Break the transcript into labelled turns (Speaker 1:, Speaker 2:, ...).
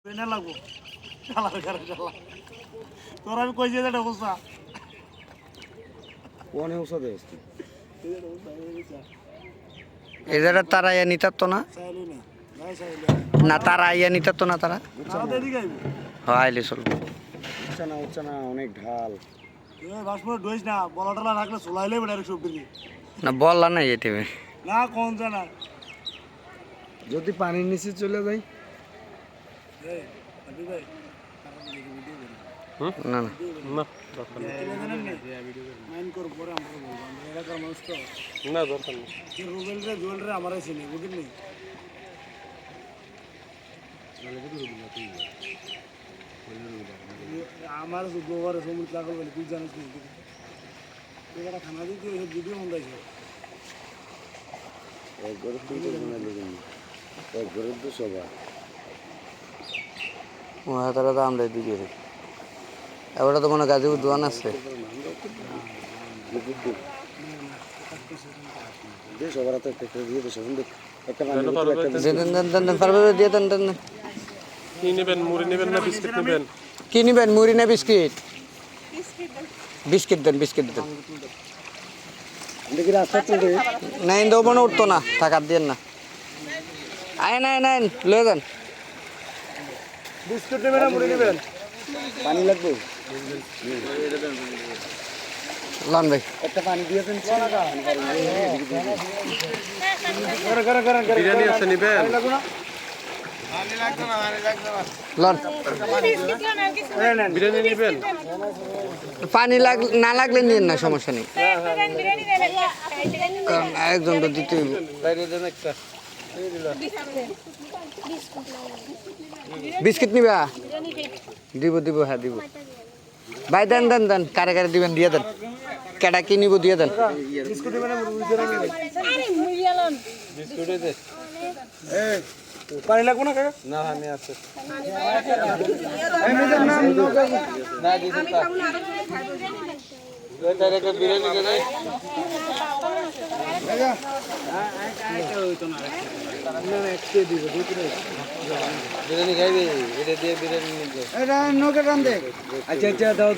Speaker 1: ট্রেনে লাগবো তোর আমি কই যে অবস্থা
Speaker 2: কোনে ওষুধ আছে
Speaker 3: এদের তারা ইয়া নিতাত তো না
Speaker 1: চাইলি না নাই চাইলি
Speaker 3: না তারা ইয়া নিতাত তো না তারা
Speaker 1: তারা এদিকে আইবো
Speaker 3: আইলে চলবে
Speaker 2: উঠছে না অনেক ঢাল
Speaker 1: এই বাসমরে ডইস না বলা টলা রাখলে চলাইলে বেড়ারে সব দিকে
Speaker 3: না বললা না এই টিমে
Speaker 1: না কোন জানা
Speaker 2: যদি পানির নিচে চলে যাই
Speaker 1: এই আবি ভাই
Speaker 3: না না
Speaker 4: না
Speaker 1: মাইন কর পরে আমরা বলবো আমরা এলাকার মানুষ তো
Speaker 4: না দরকার নেই
Speaker 1: যে রুবেল রে জুয়েল রে আমারই চিনি বুঝলি আমার গোবর সমুদ্র লাগল বলে তুই জানিস না এবারে খানা দিতে ভিডিও মন্দাইছে
Speaker 2: এক গরুর তো মনে লেগেনি এক গরুর তো সবার
Speaker 3: তারা তো আমরা দিকে এবারে তো মনে গাজীপুর দোয়ান আছে
Speaker 2: সবার হাতে একটা দিয়ে দেশ একটা
Speaker 3: পারবে দিয়ে দেন দেন
Speaker 4: কি নেবেন মুড়ি নেবেন না বিস্কিট নেবেন
Speaker 3: কি নিবেন মুড়ি না বিস্কিট বিস্কিট দেন বিস্কিট দেন
Speaker 2: দেখি রাস্তা চলে
Speaker 3: না ইন্দো মনে উঠতো না টাকার দিয়ে না আইন আইন আইন লয়ে যান
Speaker 1: বিস্কুট নেবেন না মুড়ি নেবেন
Speaker 2: পানি লাগবে
Speaker 3: লন ভাই
Speaker 2: একটা পানি দিয়ে দেন
Speaker 4: বিরিয়ানি আছে নেবেন
Speaker 3: লন
Speaker 4: বিরিয়ানি নেবেন
Speaker 3: পানি না লাগলে নিন না সমস্যা নেই কারণ একজন তো দিতে হইব।
Speaker 4: বাইরে দেন একটা
Speaker 3: বিস্কিট নিবা দিব দিব হ্যাঁ দিব ভাই দেন দেন দেন কারে কারে দিবেন দিয়ে দেন কেডা কি নিব দিয়ে দেন
Speaker 1: বিস্কুট নেবেন না মুড়ি নেবেন
Speaker 4: বিস্কুটে দে
Speaker 1: এই পানি লাগবো না কাকা
Speaker 4: না আমি আছে
Speaker 1: এই মেয়েদের নাম
Speaker 4: না দিতে তা তার একটা বিরিয়ানি দে নাই বিরিয়ানি খাইবি এটা দিয়ে বিরিয়ানি নিবে
Speaker 2: এটা নৌকা টান দে আচ্ছা আচ্ছা দাও